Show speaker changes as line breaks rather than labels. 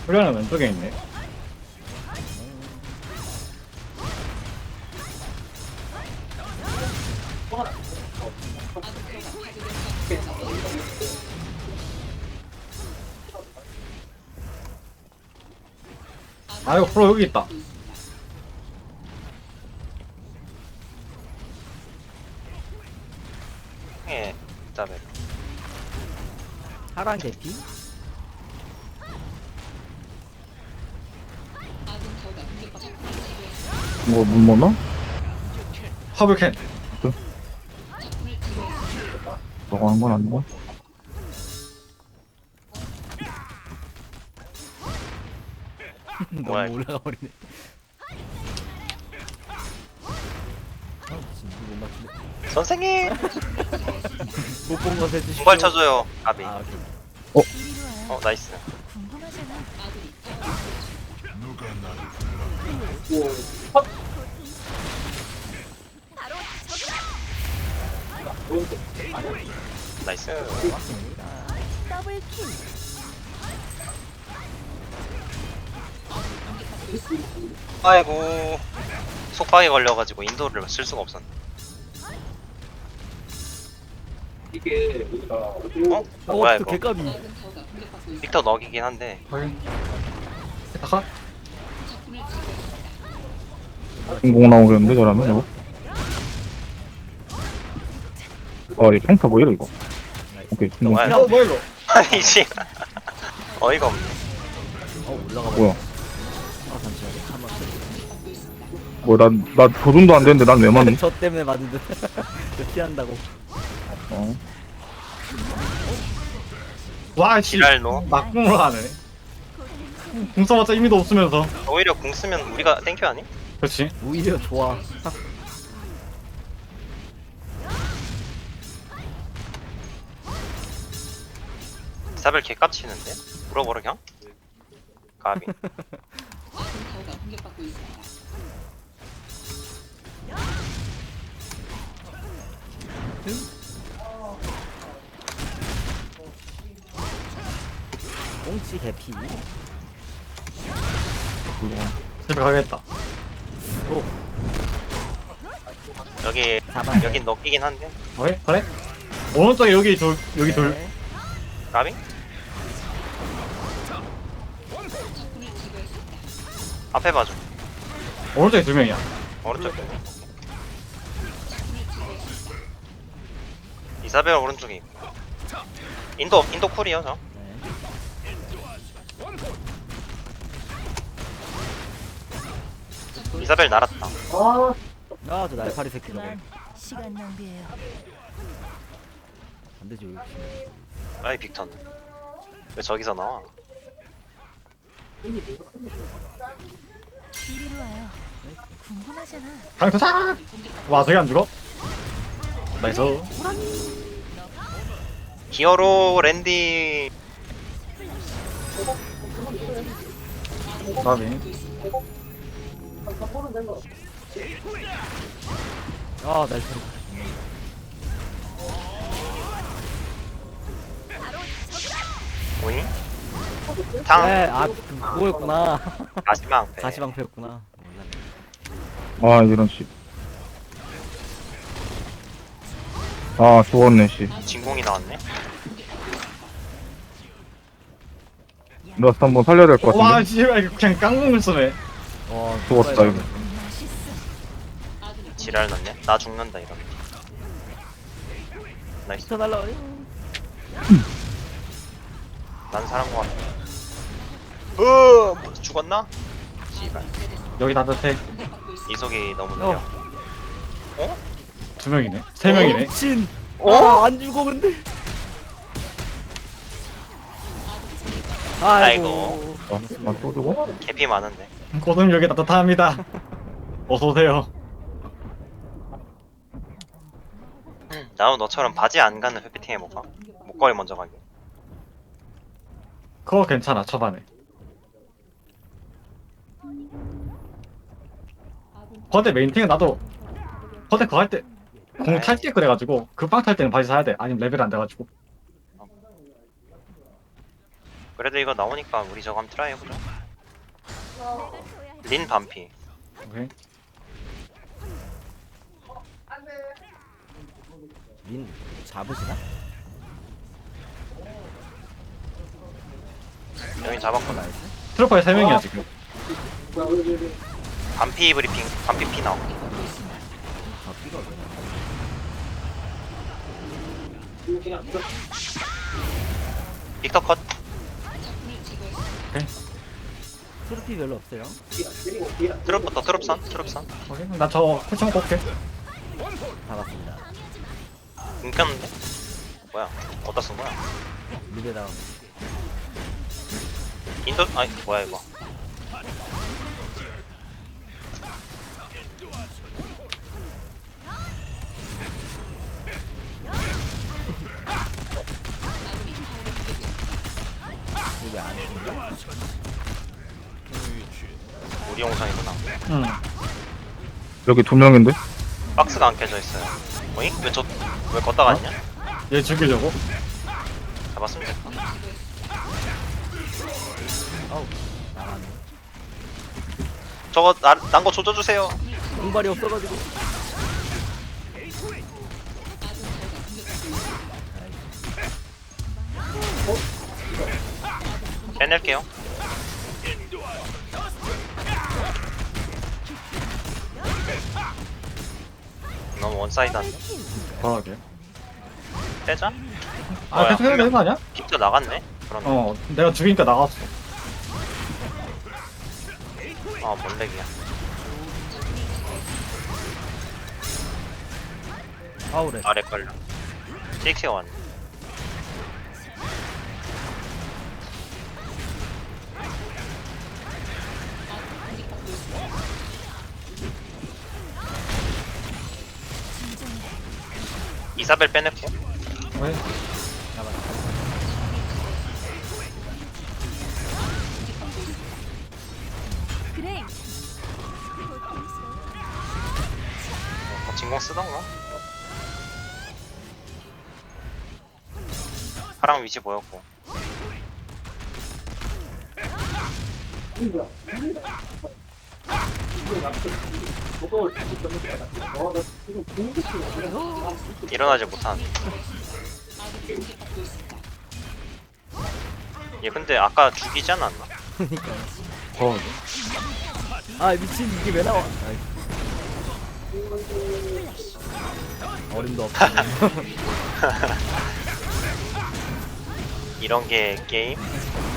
후련은 왼쪽에 있네. 아 이거 프로 여기 있다.
예, 그다음에
하란 개피?
뭐, 못 먹나?
허블캔.
너가 한 건 아니고.
뭐야,
너무 올라가 버리네. 아, 진짜 못 맞추네.
선생님
못본 것 해주시오.
공발 쳐줘요. 아비.
아, 오케이.
나이스. 나이스. 아이고 속박에 걸려가지고 인도를 쓸 수가 없었네. 어? 뭐야
또
이거?
개값이.
빅터 넉이긴 한데
확인. 아,
인공 나오겠는데, 저라면, 이거? 이 평타 뭐 이래, 이거? 오케이, 인공.
뭐야?
뭐야 이거?
아니지. 어이가 없네.
올라가 버려.
뭐야?
아, 잠시만요. 한번
뭐, 나 조준도 안 되는데 난 왜 맞니?
저 때문에 맞은 듯. 저 피한다고.
어.
와 씨.
지랄노.
막공을 하네. 궁 써봤자 의미도 없으면서.
오히려 궁 쓰면 우리가 땡큐 아니?
그렇지.
오히려 좋아.
이사벨 개깝치는데? 물어보러 그냥? 까비.
꽁치 개피.
집에 가겠다.
여기
잡아야 돼.
여긴 넉이긴 한데
오케이 그래. 오른쪽에 여기 여기 둘.
네.
까비? 앞에 봐줘.
오른쪽에 두 명이야.
오른쪽. 이사벨 오른쪽에 있고. 인도 쿨이요 저. 이사벨 날았다.
아, 저 날파리 새끼 저거.
시간 낭비예요.
안 되죠, 이거.
아이 빅턴. 왜 저기서 나와?
이리로 와요. 궁금하잖아.
강타자. 와 저기 안 죽어? 나이스.
기어로 랜디.
다음이.
아, 날파리.
오잉? 탕.
네, 아, 그거였구나.
가시망패.
가시방패였구나. 몰랐네.
아, 이런 씨. 아, 죽었네, 씨.
진공이 나왔네.
러스 한번 살려야 될 것
와
같은데?
씨발 이거 그냥 깡공을 쓰네.
와,
죽었다, 이거.
지랄 났네. 나 죽는다 이러면. 나이스.
저 날라와요.
난 사람 것 같아. 죽었나? 씨발.
여기 따뜻해.
이속이 너무 느려.
두 명이네. 세 명이네.
친.
어?
아, 안 죽어 근데. 아이고.
또 죽어?
개피 많은데.
고등 여기 따뜻합니다. 어서 오세요.
나도 너처럼 바지 안 가는 회피팅 해볼까? 목걸이 먼저 가게.
그거 괜찮아 초반에. 거대 메인팅은 나도 거대 그거 할 때 공 탈 때 그래가지고 급방 탈 때는 바지 사야 돼. 아니면 레벨 안 돼가지고.
그래도 이거 나오니까 우리 저거 한번 트라이 해보자. 린 반피.
오케이.
린 잡으시나?
여기 잡았고
나이스.
트로퍼에 3명이야 지금.
반피 브리핑 반피 피 나오고.
잡기가 어려워.
빅터 컷.
트로피 별로 없어요.
트롭부터 트롭선.
오케이. 나저 패치 먹고 올게.
잡았습니다.
끊겼는데? 뭐야? 어디다 쓴 거야?
미드다운.
인도 아니 뭐야 이거?
여기 안에
우리 영상이구나.
응.
여기 2명인데?
박스가 안 켜져 있어요. 어잉? 왜 껐다 갔냐?
얘 죽이려고.
잡았으면 됐다.
아우 나가네.
저거 난 거 조져주세요.
공발이 없어가지고.
빼낼게요. 너무 원사이드한데?
과하게.
빼자?
아
뭐야?
계속 해도 되는 거 아니야?
빅터 나갔네? 그럼
내가 죽이니까 나갔어.
뭔 렉이야.
아우래.
아래 걸려. TX가 왔네. 이사벨 빼냈고.
왜?
그래.
진공 쓰던가? 파랑 위치 보였고. 일어나지 못하네. 얘 근데 아까 죽이지 않았나?
과하게.
아 미친 이게 왜 나와? 아이. 어림도 없어.
이런 게 게임?